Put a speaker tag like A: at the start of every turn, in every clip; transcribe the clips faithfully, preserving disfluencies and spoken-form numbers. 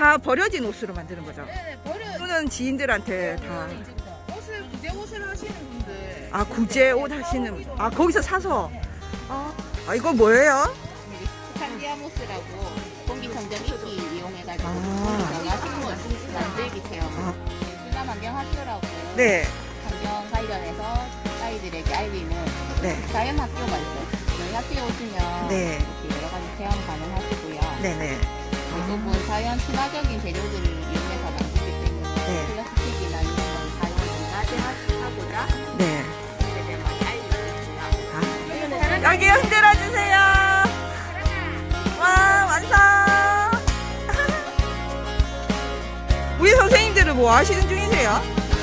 A: 다 버려진 옷으로 만드는 거죠?
B: 네네, 버려.
A: 또는 지인들한테 다.
B: 이거는 이제 옷을 구제 옷을 하시는 분들.
A: 아, 구제 옷 하시는. 아, 거기서 사서. 아, 아 이거 뭐예요?
C: 스칸디아모스라고 공기청정 이끼 이용해가지고
A: 아.
C: 거기다가 식물 만들기 체험.
A: 아.
C: 주남환경학교라고
A: 네.
C: 환경 관련해서 아이들에게 알리는
A: 네.
C: 자연 학교가 있어요. 저희 학교에 오시면
A: 네.
C: 이렇게 여러 가지 체험 가능하시고요.
A: 네네.
C: 대부분 자연 친화적인 재료들을 이용해서 만들기 때문에
A: 네.
C: 플라스틱이나 이런 건 사용을 좀 자제하고자
A: 네.
C: 그에 대해 많이 알리고 있고요.
A: 아. 여기 흔들어 주세요. 와, 완성. 우리 선생님들은 뭐 하시는 중이세요?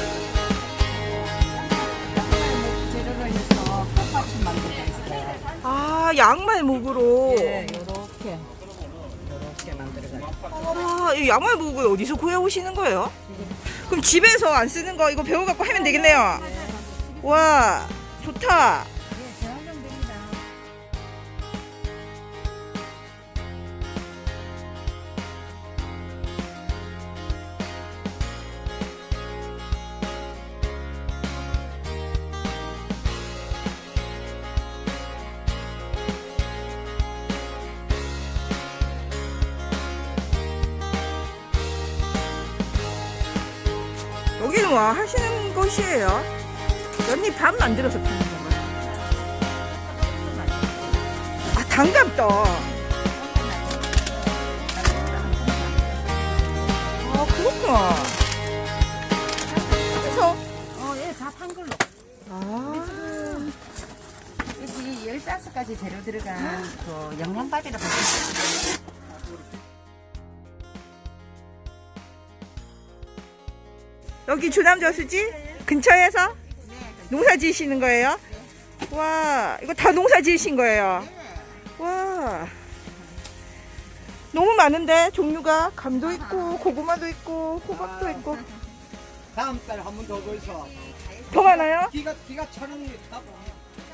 C: 재료로 해서 꽃받침 만들고 있어요.
A: 아, 양말목으로.
C: 네, 요렇게 요렇게 만들어가지고.
A: 아, 이 양말목을 어디서 구해 오시는 거예요? 그럼 집에서 안 쓰는 거 이거 배워갖고 하면 되겠네요. 와, 좋다. 여기는 뭐 하시는 곳이에요? 연잎 밥 만들어서 파는 건가요? 아, 단감떡. 아, 그렇구나. 그래서
C: 어, 예, 다 판 걸로.
A: 아,
C: 여기 열다섯 가지 재료 들어간 그 영양밥이라고 보시면
A: 여기 주남저수지 근처에서 농사 지으시는 거예요? 와, 이거 다 농사 지으신 거예요? 와, 너무 많은데 종류가 감도 있고 고구마도 있고 호박도 있고.
D: 다음 달에 한 번 더 보이소.
A: 더 많아요?
D: 기가 기가 천 원이 다 보면.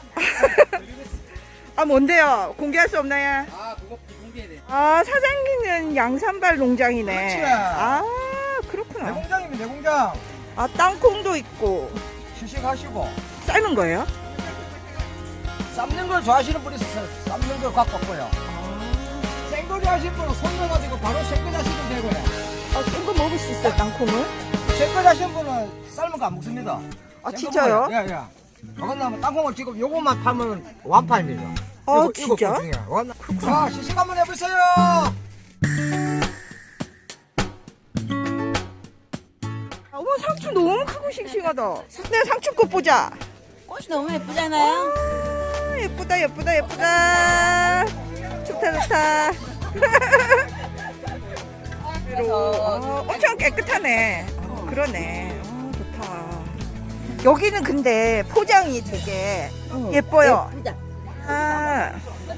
A: 아, 뭔데요? 공개할 수 없나요?
D: 아 그거 비공개해 돼.
A: 아, 사장님은 양산발 농장이네.
D: 그렇지.
A: 아, 그렇구나.
D: 내공장이면 내공장.
A: 아, 땅콩도 있고.
D: 시식하시고
A: 삶은 거예요?
D: 삶는 걸 좋아하시는 분이 있어서 삶는 걸 갖고 왔고요. 생거리 하시는 분은 손 넣어가지고 바로 생거리 하시면 되고요.
A: 아, 생거 먹을 수 있어요, 땅콩을?
D: 생거리 하시는 분은 삶은 거 안 먹습니다.
A: 아,
D: 생거
A: 진짜요?
D: 먹어요. 예, 예. 그건 땅콩을 지금 요것만 팔면 완판입니다.
A: 아,
D: 요거-
A: 진짜?
D: 요거 중이야. 완- 자, 시식 한번 해보세요.
A: 아, 어머, 상추 너무 크고 싱싱하다. 내 상추꽃 보자.
C: 꽃이 너무 예쁘잖아요.
A: 아, 예쁘다, 예쁘다, 예쁘다. 좋다, 좋다. 어, 엄청 깨끗하네. 어, 그러네. 어, 좋다. 여기는 근데 포장이 되게 예뻐요.
C: 예쁘다.
A: 아.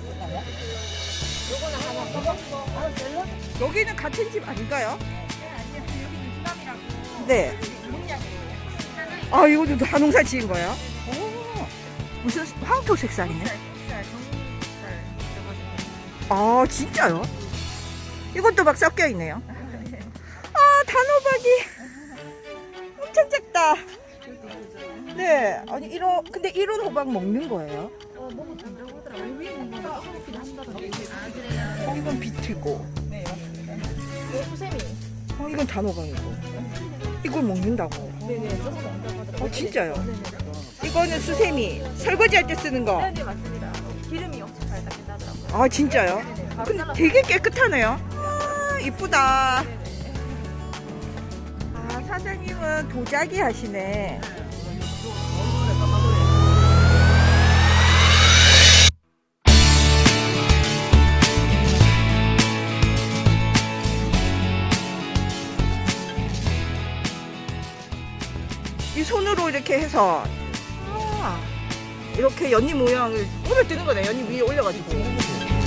A: 여기는 같은 집 아닌가요? 네. 아, 이것도 다 농사 지은 거예요? 오, 무슨 황토 색상이네? 아, 진짜요? 이것도 막 섞여 있네요. 아, 단호박이 엄청 작다. 네, 아니 이런 근데 이런 호박 먹는 거예요? 어, 이건 비트고. 어, 이건 단호박이고. 이걸 먹는다고. 어, 진짜요? 이거는 수세미. 설거지 할 때 쓰는 거.
B: 네, 맞습니다. 기름이 엄청 잘 닦인다더라고요.
A: 아, 진짜요? 근데 되게 깨끗하네요. 아, 이쁘다. 아, 사장님은 도자기 하시네. 이 손으로 이렇게 해서 아, 이렇게 연잎 모양을 오늘 뜨는 거네. 연잎 위에 올려가지고.